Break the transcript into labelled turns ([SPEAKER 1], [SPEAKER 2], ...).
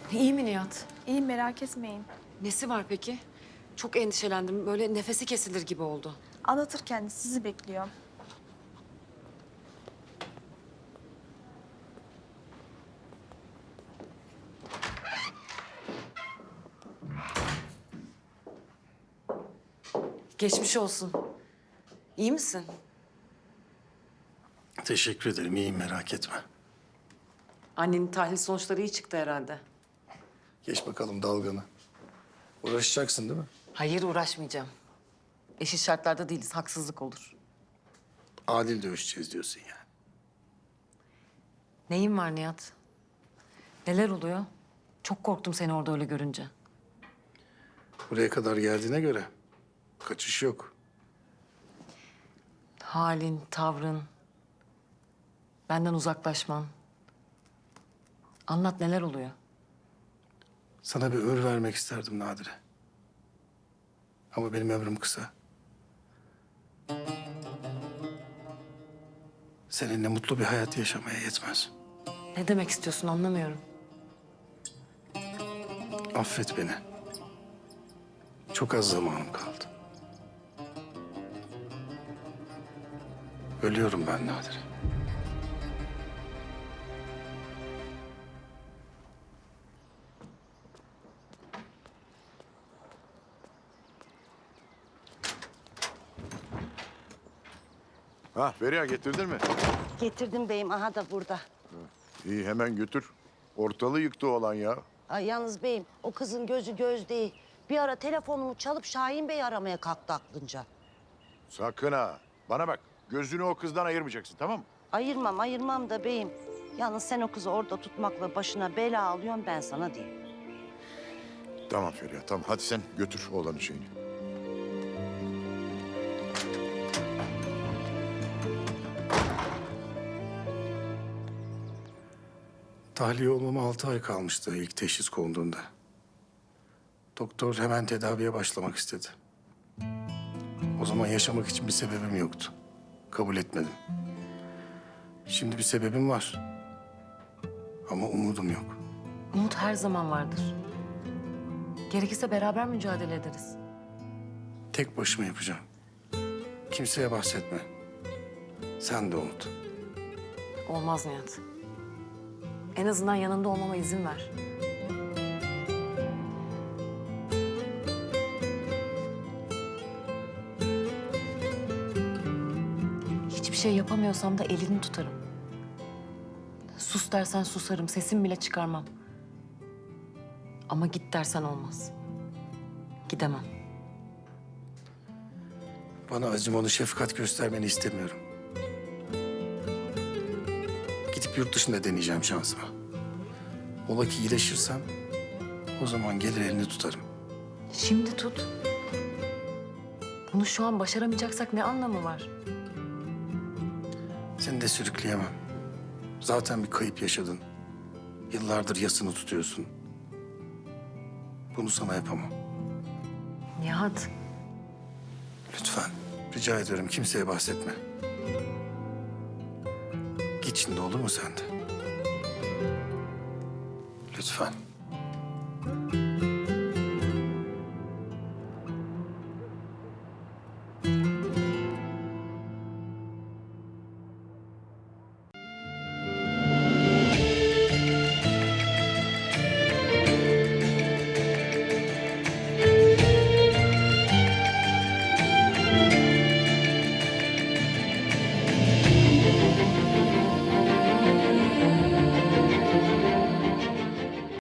[SPEAKER 1] İyi mi Nihat?
[SPEAKER 2] İyi merak etmeyin.
[SPEAKER 1] Nesi var peki? Çok endişelendim. Böyle nefesi kesilir gibi oldu.
[SPEAKER 2] Anlatır kendisi, sizi bekliyor.
[SPEAKER 1] Geçmiş olsun. İyi misin?
[SPEAKER 3] Teşekkür ederim. İyiyim, merak etme.
[SPEAKER 1] Annenin tahlil sonuçları iyi çıktı herhalde.
[SPEAKER 3] Geç bakalım dalganı. Uğraşacaksın değil mi?
[SPEAKER 1] Hayır, uğraşmayacağım. Eşit şartlarda değiliz. Haksızlık olur.
[SPEAKER 3] Adil dövüşeceğiz diyorsun yani.
[SPEAKER 1] Neyin var Nihat? Neler oluyor? Çok korktum seni orada öyle görünce.
[SPEAKER 3] Buraya kadar geldiğine göre kaçış yok.
[SPEAKER 1] Halin, tavrın, benden uzaklaşman. Anlat, neler oluyor?
[SPEAKER 3] Sana bir ömür vermek isterdim Nadire. Ama benim ömrüm kısa. Seninle mutlu bir hayat yaşamaya yetmez.
[SPEAKER 1] Ne demek istiyorsun, anlamıyorum.
[SPEAKER 3] Affet beni. Çok az zamanım kaldı. Ölüyorum ben Nadire.
[SPEAKER 4] Ha Feriha getirdin mi?
[SPEAKER 5] Getirdim beyim, aha da burada.
[SPEAKER 4] İyi hemen götür. Ortalığı yıktı olan ya.
[SPEAKER 5] Ay yalnız beyim, o kızın gözü göz değil. Bir ara telefonumu çalıp Şahin Bey'i aramaya kalktı aklınca.
[SPEAKER 4] Sakın ha. Bana bak gözünü o kızdan ayırmayacaksın tamam mı?
[SPEAKER 5] Ayırmam da beyim. Yalnız sen o kızı orada tutmakla başına bela alıyorsun, ben sana diyeyim.
[SPEAKER 4] Tamam Feriha tamam. Hadi sen götür oğlanın şeyini.
[SPEAKER 3] Tahliye olmama 6 ay kalmıştı ilk teşhis konduğunda. Doktor hemen tedaviye başlamak istedi. O zaman yaşamak için bir sebebim yoktu. Kabul etmedim. Şimdi bir sebebim var. Ama umudum yok.
[SPEAKER 1] Umut her zaman vardır. Gerekirse beraber mücadele ederiz.
[SPEAKER 3] Tek başıma yapacağım. Kimseye bahsetme. Sen de unut.
[SPEAKER 1] Olmaz Nihat. En azından yanında olmama izin ver. Hiçbir şey yapamıyorsam da elini tutarım. Sus dersen susarım, sesim bile çıkarmam. Ama git dersen olmaz. Gidemem.
[SPEAKER 3] Bana acımanı, şefkat göstermeni istemiyorum. Gidip yurt dışında deneyeceğim şansımı. Ola ki iyileşirsem o zaman gelir elini tutarım.
[SPEAKER 1] Şimdi tut. Bunu şu an başaramayacaksak ne anlamı var?
[SPEAKER 3] Seni de sürükleyemem. Zaten bir kayıp yaşadın. Yıllardır yasını tutuyorsun. Bunu sana yapamam.
[SPEAKER 1] Nihat,
[SPEAKER 3] Lütfen. Rica ediyorum kimseye bahsetme. Git şimdi olur mu sen de? Lütfen.